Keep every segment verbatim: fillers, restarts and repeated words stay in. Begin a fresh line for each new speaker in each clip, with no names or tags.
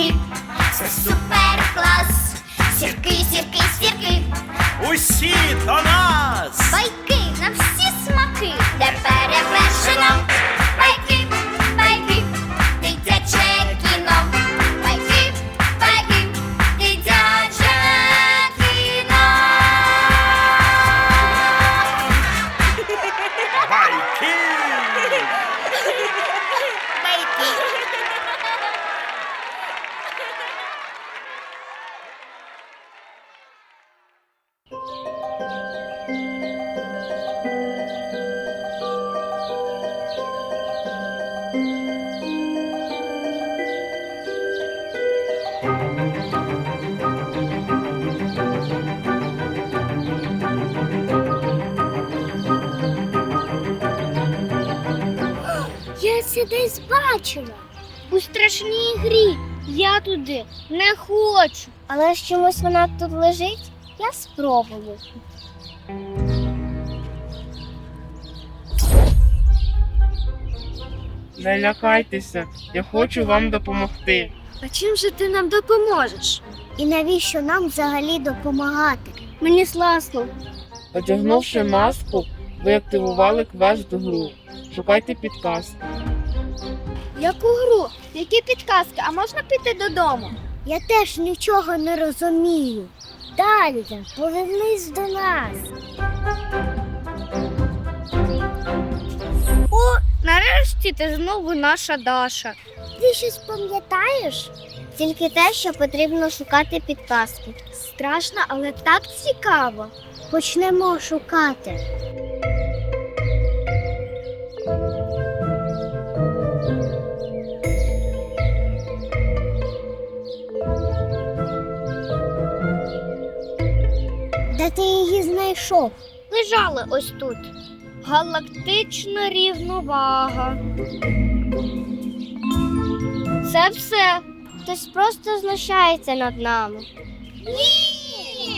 сірки, це супер клас. Сірки, сірки, сірки,
Усі до нас!
байки на всі смаки, де перевершено. Байки, байки, дитяче кіно. Байки, байки, дитяче кіно.
Байки!
Я це десь бачила. У страшній грі. Я туди не хочу. Але ж чомусь вона тут лежить, я спробую.
Не лякайтеся, я хочу вам допомогти.
А чим же ти нам допоможеш? І навіщо нам взагалі допомагати? Мені сласно.
Одягнувши маску, ви активували квест гру. Шукайте підказки.
Яку гру? Які підказки? А можна піти додому? Я теж нічого не розумію. Далі, повернись до нас. О, нарешті ти знову наша Даша. Ти щось пам'ятаєш? Тільки те, що потрібно шукати підказки. Страшно, але так цікаво. Почнемо шукати. Де ти її знайшов? Лежали ось тут. Галактична рівновага. Це все. Хтось просто знущається над нами. Ні!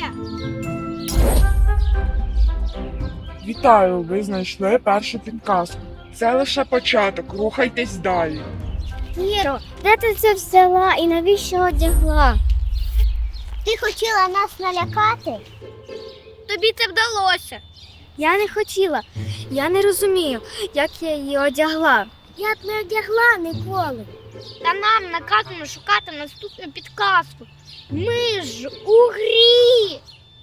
Вітаю, ви знайшли першу підказку. Це лише початок, рухайтесь далі.
Іро, де ти це взяла і навіщо одягла? Ти хотіла нас налякати? Тобі це вдалося. Я не хотіла. Я не розумію, як я її одягла. Я б не одягла ніколи. Та нам наказано шукати наступну підказку. Ми ж у грі.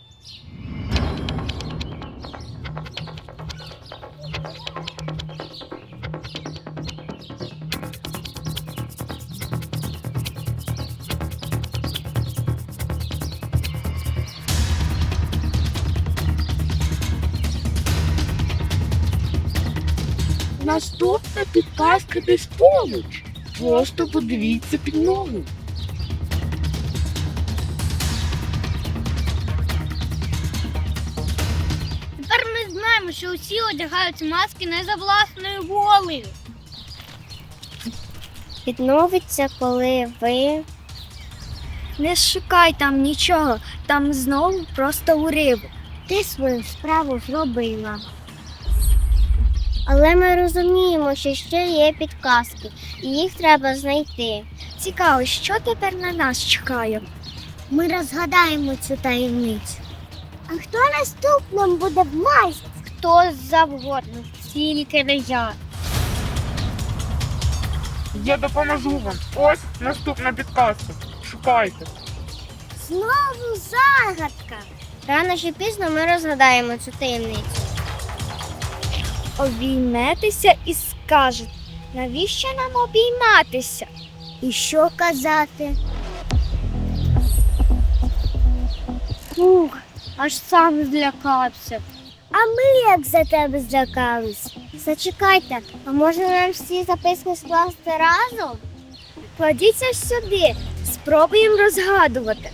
Наступна підказка десь поруч. Просто подивіться під ноги.
Тепер ми знаємо, що усі одягають маски не за власною волею. Відновиться, коли ви... Не шукай там нічого, там знову просто уривок. Ти свою справу зробила. Але ми розуміємо, що ще є підказки, і їх треба знайти. Цікаво, що тепер на нас чекає? Ми розгадаємо цю таємницю. А хто наступним буде в масці? Хто завгодно, тільки не я.
Я допоможу вам. Ось наступна підказка. Шукайте.
Знову загадка. Рано чи пізно ми розгадаємо цю таємницю. Обійметеся і скажете, навіщо нам обійматися? І що казати? Фух, аж сам злякався. А ми як за тебе злякались? Зачекайте, а може нам всі записки скласти разом? Кладіться сюди, спробуємо розгадувати.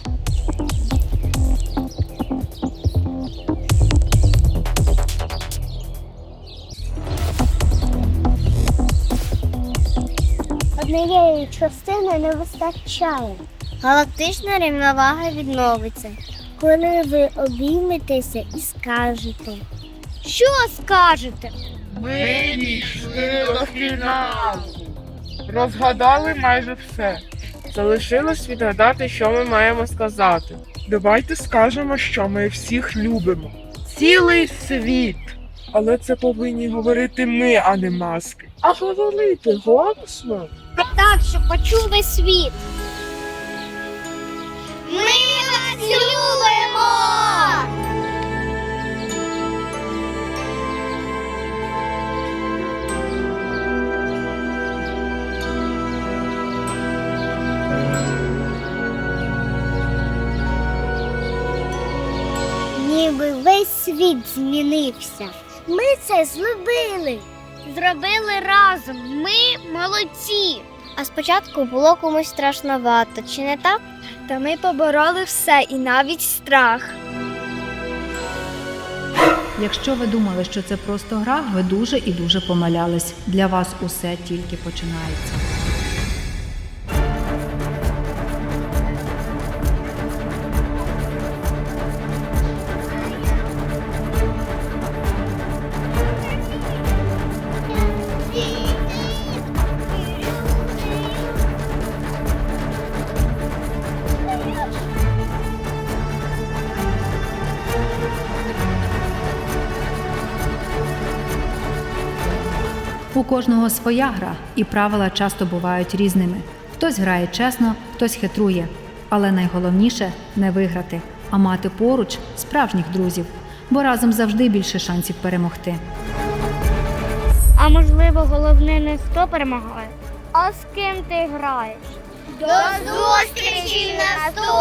Однієї частини не вистачає. Галактична рівновага відновиться, коли ви обійметеся і скажете. Що скажете?
Ми дійшли до фіналу. Розгадали майже все. Залишилось відгадати, що ми маємо сказати. Давайте скажемо, що ми всіх любимо. Цілий світ. Але це повинні говорити ми, а не маски. А говорити голосно.
Так, щоб почув весь світ. Ми вас любимо! Ніби весь світ змінився. Ми це зробили. Зробили разом. Ми молодці. А спочатку було комусь страшновато, чи не так? Та ми побороли все і навіть страх.
Якщо ви думали, що це просто гра, ви дуже і дуже помилялись. Для вас усе тільки починається. У кожного своя гра, і правила часто бувають різними. Хтось грає чесно, хтось хитрує. Але найголовніше – не виграти, а мати поруч справжніх друзів, бо разом завжди більше шансів перемогти.
А можливо, головне не хто перемагає, а з ким ти граєш. До зустрічі в наступному!